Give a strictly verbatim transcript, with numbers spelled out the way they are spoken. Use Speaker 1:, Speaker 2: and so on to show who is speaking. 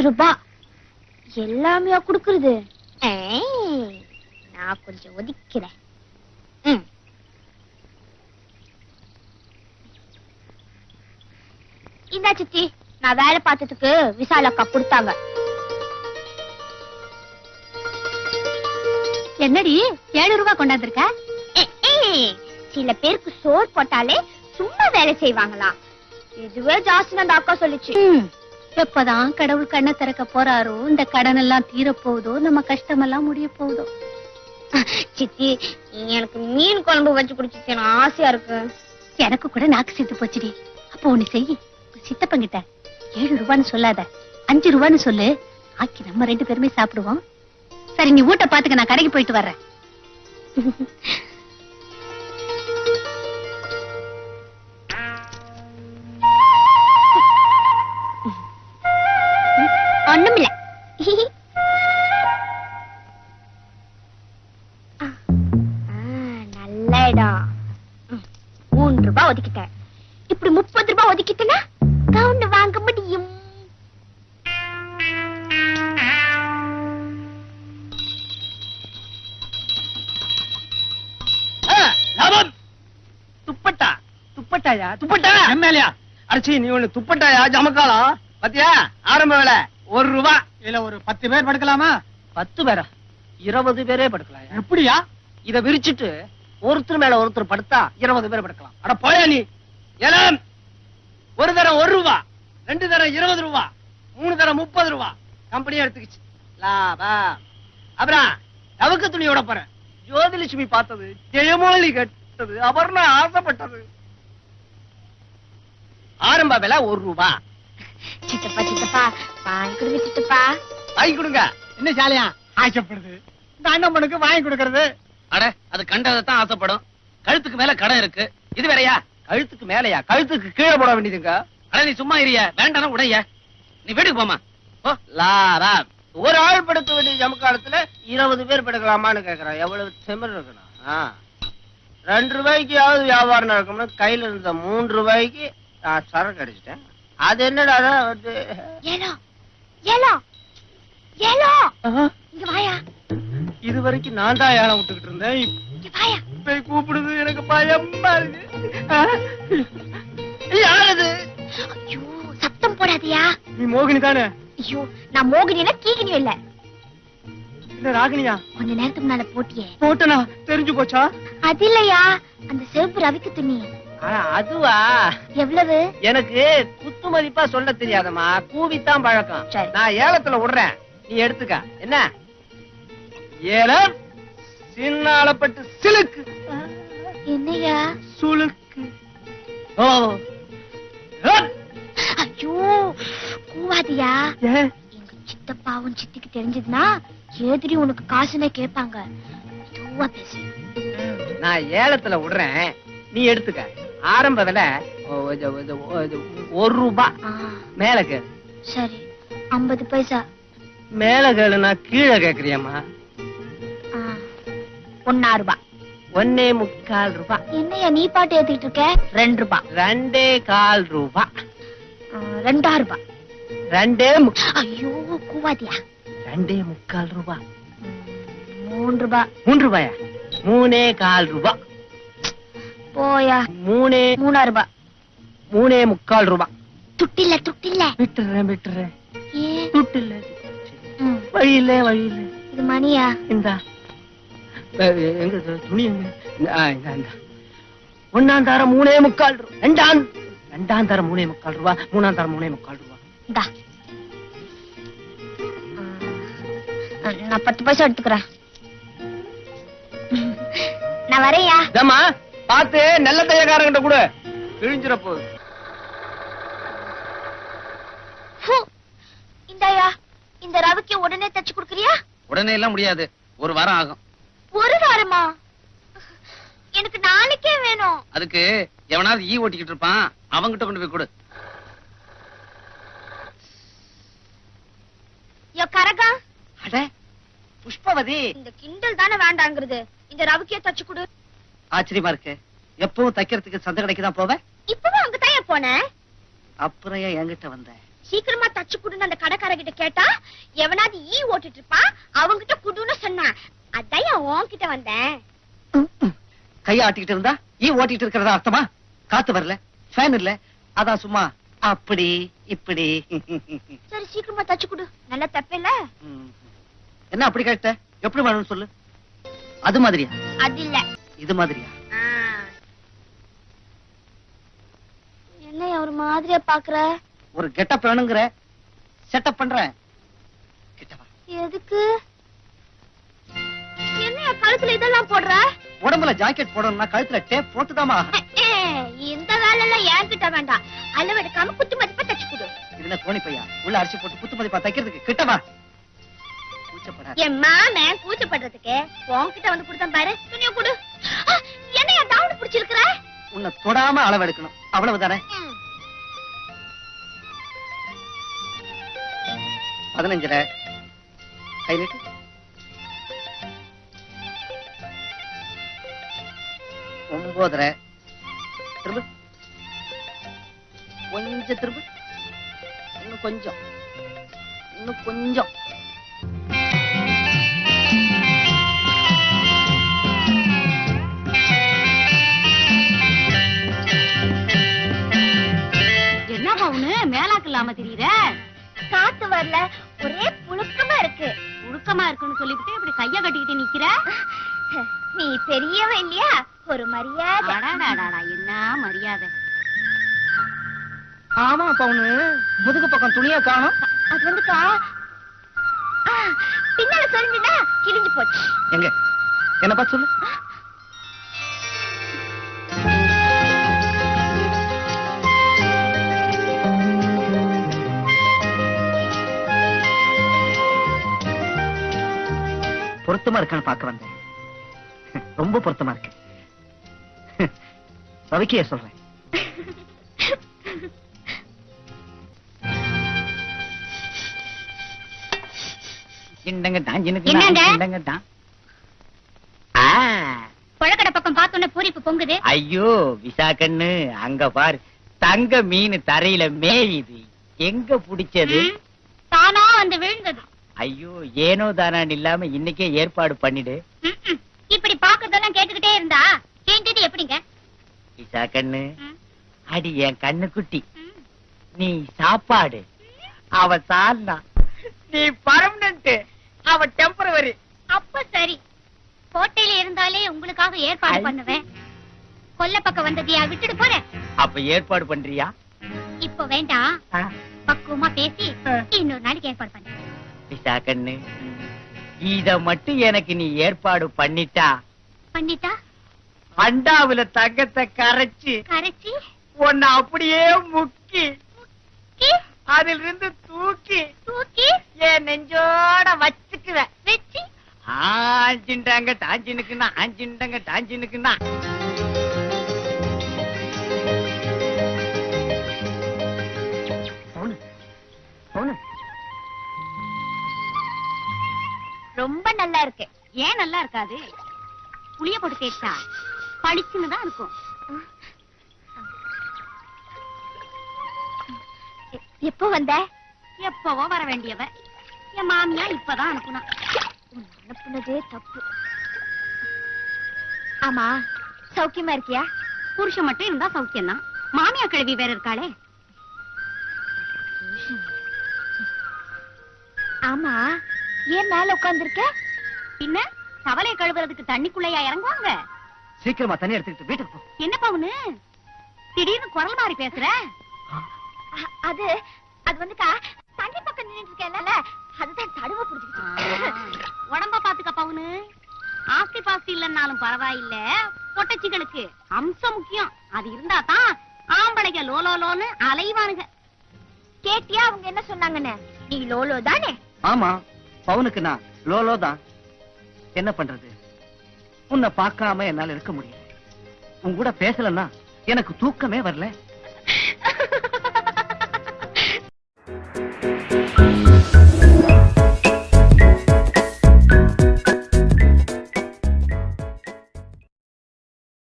Speaker 1: ரூபாய் எல்லாமே குடுக்குறது. நான் கொஞ்சம் ஒதுக்கிறேன். இந்தா சித்தி, நான் வேலை பார்த்ததுக்கு விசால் அக்கா கொடுத்தாங்க. என்னடி ஏழு ரூபாய் கொண்டாந்துருக்க? சில பேருக்கு சோறு போட்டாலே சும்மா வேலை செய்வாங்களாம். இதுவே ஜாஸ்தி அந்த அக்கா சொல்லிச்சு. எப்பதான் கடவுள் கண்ணை திறக்க போறாரோ, இந்த கடன் எல்லாம் தீர போகுதோ, நம்ம கஷ்டம் எல்லாம் முடிய போகுதோ. சித்தி, எனக்கு மீன் குழம்பு வச்சு குடிச்சு ஆசையா இருக்கு. எனக்கு கூட நாக்கு சித்து போச்சுடி. அப்போ ஒண்ணு செய், சித்தப்பங்கிட்ட ஏழு ரூபான்னு சொல்லாத, அஞ்சு ரூபான்னு சொல்லு. ஆக்கி நம்ம ரெண்டு பேருமே சாப்பிடுவோம். சரி, நீ ஊட்ட பாத்துக்க, நான் கடைக்கு போயிட்டு வர்றேன். ஒண்ணுமில்ல. நல்ல இடம். மூன்று ரூபாய் ஒதுக்கிட்டேன். இப்படி முப்பது ரூபாய் ஒதுக்கிட்டேன்னா கவுண்ட் வாங்க முடியும்.
Speaker 2: துப்பட்டா துப்பட்டாயா துப்பட்டா எம்எல்ஏ அடிச்சு நீ ஒண்ணு துப்பட்டாயா ஜமக்காலம் பத்தியா? ஆரம்ப வேலை ஒரு ரூபா. இல்ல ஒரு பத்து பேர் படுக்கலாமா? பத்து பேரா? இருபது பேரே படுக்கலாம். எப்படியா? இத விரிச்சிட்டு ஒருத்தர் மேல ஒருத்தர் படுத்தா இருபது பேர் படுக்கலாம். அட போயா நீ. ஏலம் ஒரு தரம் ஒரு ரூபா, ரெண்டு தரம் இருபது ரூபா, மூணு தரம் முப்பது ரூபா. கம்பெனியா எடுத்துக்கிச்சு லாபா. அப்புறம் தவக்க துணியோட போறேன். ஜோதிலட்சுமி பார்த்தது, ஜெயமோலி கேட்டது, அபர்ணா ஆசைப்பட்டது. ஆரம்ப விலை ஒரு ரூபா.
Speaker 1: சித்தப்பா சித்தப்பா வாங்கி கொடுங்க. சித்தப்பா
Speaker 2: வாங்கி கொடுங்க. என்ன ஜாலியா ஆசைப்படுது இந்த அண்ணம்மனுக்கு வாங்கி கொடுக்கறது? அட, அது கண்டதான் ஆசைப்படும். கழுத்துக்கு மேல கடை இருக்கு. இது வேறையா? கழுத்துக்கு மேலையா? கழுத்துக்கு கீழே போட வேண்டியதுங்க. அட நீ சும்மா இரிய, வேண்டாம் உடைய. நீ வீட்டுக்கு போமா. லாரா ஒரு ஆள் படுக்க வேண்டிய ஜமக்காலத்துல இருபது பேர் படுக்கலாமான்னு கேக்குறான். எவ்வளவு திமிர் இருக்கணும். ரெண்டு ரூபாய்க்காவது வியாபாரம் நடக்கும்னு கையில இருந்த மூன்று ரூபாய்க்கு நான் சரக்கு அடிச்சிட்டேன். அது என்னடா வந்து இது வரைக்கும் நான் தான் ஏழை விட்டுக்கிட்டு இருந்தேன். இப்ப கூப்பிடுது. எனக்கு பயமா இருக்கு. யாரது?
Speaker 1: சத்தம் போடாதியா.
Speaker 2: நீ மோகினி தானே?
Speaker 1: ஐயோ, நான் மோகினியா கீகினியும் இல்ல.
Speaker 2: இல்ல ராகினியா?
Speaker 1: கொஞ்ச நேரத்துக்கு முன்னால போட்டியே.
Speaker 2: போட்டனா? தெரிஞ்சு போச்சா? அது இல்லையா, அந்த செவப்பு ரவிக்கு துணி. அதுவா? எவ்வளவு? எனக்கு குத்து மதிப்பா சொல்ல தெரியாதம்மா. கூவித்தான் பழக்கம். நான் ஏலத்துல விடுறேன், நீ எடுத்துக்க. என்ன ஏலம்? சின்ன அளப்பட்டு சிலுக்கு. என்னையா? சுளுக்கு. ஓ ஐயோ, கூவாதியா. எங்க சித்தப்பாவும் சித்திக்கு தெரிஞ்சதுன்னா எதிரி உனக்கு காசுனே கேட்பாங்க. பேசு. நான் ஏலத்துல விடுறேன், நீ எடுத்துக்க. ஆரம்ப விலை ஒரு ரூபா. மேல கேளு. சரி, ஐம்பது பைசா. மேல கேளுனா கீழே கேக்குறியம்மா. ஒன்னா ரூபா. ஒன்னே முக்கால் ரூபா. என்னையா நீ பாட்டு ஏத்திட்டு இருக்க? ரெண்டு ரூபா. ரெண்டே கால் ரூபா. ரெண்டா ரூபா. ரெண்டே ஐயோ கூவாதியா. ரெண்டே முக்கால் ரூபா. மூணு ரூபா. மூணு ரூபாயா? மூணே கால் ரூபா. போயா. மூணே மூணா ரூபா. மூணே முக்கால் ரூபா. துட்டில்ல துட்டில்ல. விட்டுறேன் விட்டுறேன். துட்டில்ல. வழி இல்ல வழி இல்ல. இது மணியா? இந்தா. எங்க துணி எங்க? ஒன்னாம் தரம் மூணே முக்கால் ரூபா. ரெண்டாம் ரெண்டாம் தரம் மூணே முக்கால் ரூபா. மூணாம் தரம் மூணே முக்கால் ரூபா. இந்தா, நான் பத்து பைசா எடுத்துக்கிறேன். நான் வரையா. பார்த்து நல்ல தையக்காரங்கிட்ட கூட கிழிஞ்சிட போகுது. இந்தாயா, இந்த ரவிக்கு உடனே தச்சு கொடுக்கறியா? உடனே எல்லாம் முடியாது, ஒரு வாரம் ஆகும். ஒரு வாரமா? எனக்கு நாளைக்கே வேணும். அதுக்கு எவனாவது ஈ ஓட்டிக்கிட்டு இருப்பான், அவங்கிட்ட கொண்டு போய் கொடு. யோ கரகா. அட புஷ்பவதி, இந்த கிண்டல் தானே வேண்டாங்கிறது. இந்த ரவிக்கே தச்சு கொடு. ஆச்சரியமா இருக்கு. எப்பவும் தைக்கிறதுக்கு சந்தை கடைக்கு தான் போவேன். இப்பவும் அங்க தான் போனேன். அப்புறம் என்கிட்ட வந்த
Speaker 1: சீக்கிரமா தச்சு குடுன்னு அந்த கடைக்கார கிட்ட கேட்டா எவனாவது ஈ ஓட்டிட்டு இருப்பான், அவங்கிட்ட குடுன்னு சொன்னான். அதான் என் உன்கிட்ட வந்தேன்.
Speaker 3: கைய ஆட்டிக்கிட்டு இருந்தா ஈ ஓட்டிட்டு இருக்கிறதா அர்த்தமா? காத்து வரல, ஃபேன் இல்ல, அதான் சும்மா அப்படி இப்படி.
Speaker 1: சரி சீக்கிரமா தச்சு குடு, நல்லா தப்பில்ல.
Speaker 3: என்ன அப்படி கேட்ட? எப்படி வேணும்னு சொல்லு. அது மாதிரியா?
Speaker 1: அது இல்ல,
Speaker 3: இது மாதிரியா?
Speaker 1: என்ன ஒரு மாதிரியா பாக்குற?
Speaker 3: ஒரு கெட்டப் வேணுங்கிற, செட்டப் பண்றேன். கிட்டவா.
Speaker 1: எதுக்கு? என்ன கழுத்துல இதெல்லாம் போடுற?
Speaker 3: உடம்புல ஜாக்கெட் போடணும்னா கழுத்துல டேப் போட்டுதாமா?
Speaker 1: இந்த வேலை எல்லாம் என்கிட்ட வேண்டாம். அளவெடுக்காம குத்து மதிப்பா தச்சு கொடு.
Speaker 3: இதுல கோணி பையா உள்ள அரிசி போட்டு குத்து மதிப்பா தைக்கிறதுக்கு கிட்டவா.
Speaker 1: என் மாம கூச்சப்படுறதுக்கு உன்கிட்ட வந்து கொடுத்தேன் பாரு. துணிய கொடு. என்னையா தாவணி பிடிச்சிருக்கிற?
Speaker 3: உன்னை தொடாம அளவெடுக்கணும், அவ்வளவுதானே? பதினஞ்சரை கை நீட்டு. ஒன்பதரை திரும்ப, கொஞ்சம் திரும்ப, இன்னும் கொஞ்சம், இன்னும் கொஞ்சம்.
Speaker 2: என்ன பவுனு மேலாக்கு இல்லாம தெரியுற?
Speaker 1: காத்து வரல, ஒரே புழுக்கமா இருக்கு.
Speaker 2: புழுக்கமா இருக்குன்னு சொல்லிவிட்டு இப்படி கைய கட்டிக்கிட்டு நிக்கிற.
Speaker 1: நீ பெரியவ இல்லையா, ஒரு மரியாதை.
Speaker 2: அடாடாடா, என்ன மரியாதை.
Speaker 3: ஆமா பவுனு, முதுகு பக்கம் துணியா காணும்.
Speaker 1: அது வந்துக்கா பின்னால சொல்லுடா, கிழிஞ்சு போச்சு.
Speaker 3: எங்க என்ன பார்த்து சொல்லு. பொருத்தமா இருக்கான்னு பார்க்க வந்தேன். ரொம்ப பொருத்தமா இருக்கு. ரவிக்கைய சொல்றேன்.
Speaker 1: கொழக்கடை பக்கம் பார்த்தோன்னே பூரிப்பு பொங்குது.
Speaker 4: ஐயோ விசா கண்ணு, அங்க பாரு, தங்க மீன் தரையில மேயுது. எங்க புடிச்சது?
Speaker 1: தானா வந்து விழுந்தது.
Speaker 4: ஐயோ ஏனோ தானான்னு இல்லாம இன்னைக்கே ஏற்பாடு பண்ணிடு.
Speaker 1: இப்படி பாக்குறதெல்லாம் கேட்டுக்கிட்டே இருந்தா கேட்டது எப்படிங்க?
Speaker 4: விசா கண்ணு, அடி என் கண்ணு குட்டி, நீ சாப்பாடு, அவ சால்னா, நீ பர்மனன்ட், அவ டெம்பரவரி.
Speaker 1: அப்ப சரி, கோட்டையில இருந்தாலே உங்களுக்காக ஏற்பாடு பண்ணுவேன். கொல்ல பக்கம் வந்ததையா விட்டுட்டு போறேன்.
Speaker 4: அப்ப ஏற்பாடு பண்றியா?
Speaker 1: இப்ப வேண்டாம், பக்குவமா பேசி இன்னொரு நாளைக்கு ஏற்பாடு பண்ண.
Speaker 4: விசா கண்ணு, இத மட்டும் எனக்கு நீ ஏற்பாடு பண்ணிட்டா
Speaker 1: பண்ணிட்டா
Speaker 4: அண்டாவுல தங்கத்தை கரைச்சு
Speaker 1: கரைச்சி
Speaker 4: உன்னை அப்படியே முக்கி
Speaker 1: முக்கி
Speaker 4: அதில் இருந்து தூக்கி
Speaker 1: தூக்கி
Speaker 4: என் நெஞ்சோட வச்சுக்குவேன்.
Speaker 1: வெச்சி
Speaker 4: ஆஞ்சிண்டாங்க டாஞ்சினுக்குன்னா, ஆஞ்சிண்டாங்க டாஞ்சினுக்குன்னா.
Speaker 1: ரொம்ப நல்லா இருக்கு.
Speaker 2: ஏன் நல்லா இருக்காது? புளிய போட்டு தேய்ச்சா பளிச்சுன்னு தான் இருக்கும்.
Speaker 1: எப்போ வந்த?
Speaker 2: எப்பவோ வர வேண்டியவ என் மாமியா இப்பதான் அனுப்புனா.
Speaker 1: அனுப்புனதே தப்பு. ஆமா, சௌக்கியமா இருக்கியா?
Speaker 2: புருஷன் மட்டும் இருந்தா சௌக்கியம் தான். மாமியா கிழவி வேற இருக்காளே.
Speaker 1: ஆமா, ஏன் மேல உட்கார்ந்திருக்க?
Speaker 2: பின்ன தவளை கழுவுறதுக்கு தண்ணிக்குள்ளையா இறங்குவாங்க?
Speaker 3: சீக்கிரமா தண்ணி எடுத்துக்கிட்டு வீட்டுக்கு போ.
Speaker 2: என்ன பவுனு திடீர்னு குரல் மாறி பேசுற?
Speaker 1: அது அது வந்துக்கா, தண்ணி பக்கம் நின்னுட்டு இருக்கேன்ல, அதுதான் தடுவ புடிச்சிட்டு.
Speaker 2: உடம்ப பாத்துக்க பவுனு. ஆஸ்தி பாஸ்தி இல்லன்னாலும் பரவாயில்ல, பொட்டச்சிகளுக்கு அம்சம் முக்கியம். அது இருந்தா தான் ஆம்பளைங்க லோலோ லோன்னு அலைவானுங்க.
Speaker 1: கேட்டியா அவங்க என்ன சொன்னாங்கன்னு? நீ லோலோ தானே?
Speaker 3: ஆமா, பவுனுக்கு நான் லோலோ தான். என்ன பண்றது, உன்னை பார்க்காம என்னால இருக்க முடியல. உன் கூட பேசலன்னா எனக்கு தூக்கமே வரல.